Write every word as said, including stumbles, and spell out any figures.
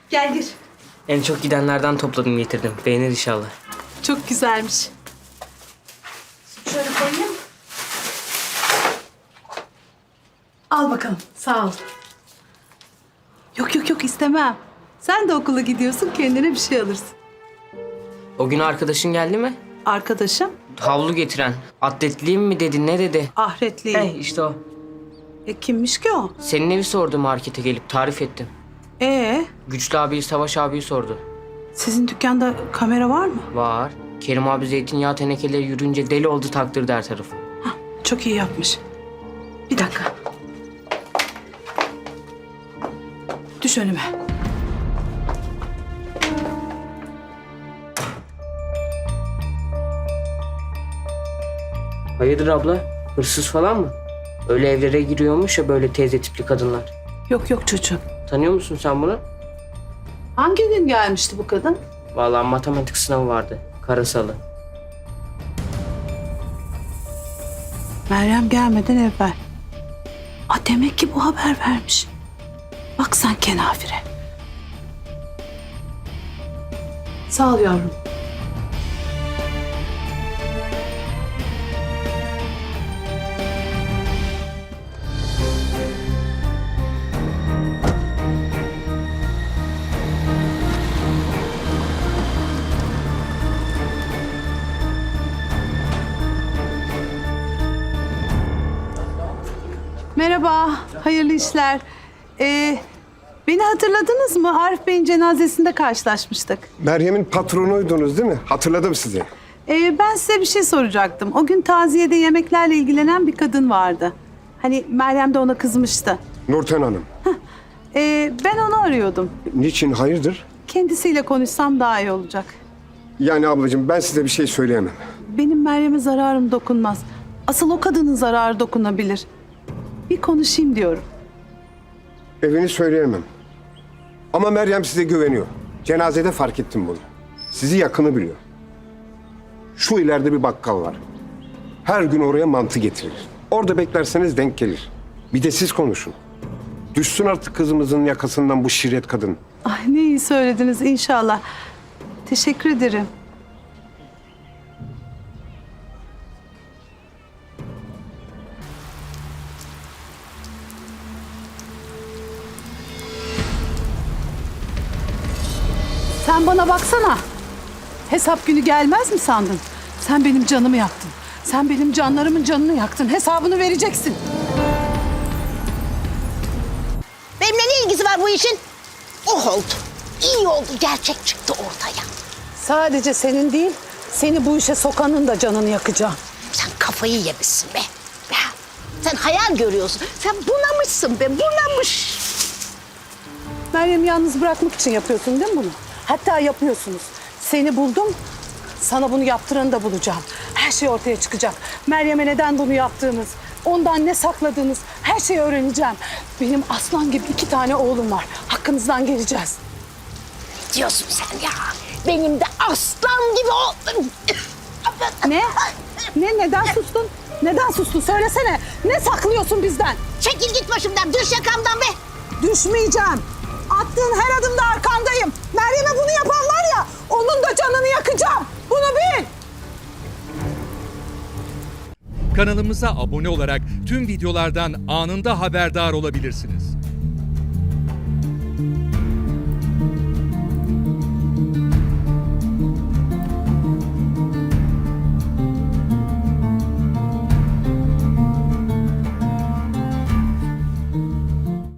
Gel gir. En çok gidenlerden topladım getirdim. Beğenir inşallah. Çok güzelmiş. Şöyle koyayım. Al bakalım. Sağ ol. Yok yok yok istemem. Sen de okula gidiyorsun, kendine bir şey alırsın. O gün arkadaşın geldi mi? Arkadaşım Havlu getiren. Atletliyim mi dedi, ne dedi? Ahretli. Hey işte o. E, kimmiş ki o? Senin evi sordu markete gelip tarif ettim. Ee, Güçlü abiyi, Savaş abiyi sordu. sizin dükkanda kamera var mı? Var. Kerim abi zeytinyağı tenekeleri yürüyünce deli oldu, taktırdı her tarafı. Hah, çok iyi yapmış. Bir dakika. Düş önüme. Hayırdır abla? Hırsız falan mı? Öyle evlere giriyormuş ya böyle teyze tipli kadınlar. Yok yok çocuğum. Tanıyor musun sen bunu? Hangi gün gelmişti bu kadın? Vallahi matematik sınavı vardı. Karasalı. Meryem gelmeden evvel. Aa, demek ki bu haber vermiş. Bak sen kenafire. Sağ ol yavrum. Merhaba, hayırlı işler. Ee, beni hatırladınız mı? Arif Bey'in cenazesinde karşılaşmıştık. Meryem'in patronuydunuz değil mi? Hatırladım sizi. Ee, ben size bir şey soracaktım. O gün taziyede yemeklerle ilgilenen bir kadın vardı. Hani Meryem de ona kızmıştı. Nurten Hanım. Ee, ben onu arıyordum. Niçin, hayırdır? Kendisiyle konuşsam daha iyi olacak. Yani ablacığım ben size bir şey söyleyemem. Benim Meryem'e zararım dokunmaz. Asıl o kadının zararı dokunabilir. Bir konuşayım diyorum. Evini söyleyemem. Ama Meryem size güveniyor. Cenazede fark ettim bunu. Sizi yakını biliyor. Şu ileride bir bakkal var. Her gün oraya mantı getirir. Orada beklerseniz denk gelir. Bir de siz konuşun. Düşsün artık kızımızın yakasından bu şirret kadın. Ay ne iyi söylediniz inşallah. Teşekkür ederim. Sen bana baksana. Hesap günü gelmez mi sandın? Sen benim canımı yaktın. Sen benim canlarımın canını yaktın. Hesabını vereceksin. Benimle ne ilgisi var bu işin? Oh oldu. İyi oldu. Gerçek çıktı ortaya. Sadece senin değil, seni bu işe sokanın da canını yakacağım. Sen kafayı yemişsin be. be. Sen hayal görüyorsun. Sen bunamışsın be. Bunamış. Meryem'i yalnız bırakmak için yapıyorsun değil mi bunu? Hatta yapıyorsunuz. Seni buldum, sana bunu yaptıranı da bulacağım. Her şey ortaya çıkacak. Meryem'e neden bunu yaptığınız, ondan ne sakladığınız her şeyi öğreneceğim. Benim aslan gibi iki tane oğlum var. Hakkınızdan geleceğiz. Ne diyorsun sen ya? Benim de aslan gibi o... Ne? Ne? Neden sustun? Neden sustun? Söylesene. Ne saklıyorsun bizden? Çekil git başımdan. Düş yakamdan be. Düşmeyeceğim. Attığın her adımda arkandayım. Meryem'e bunu yapan var ya, onun da canını yakacağım. Bunu bil. Kanalımıza abone olarak tüm videolardan anında haberdar olabilirsiniz.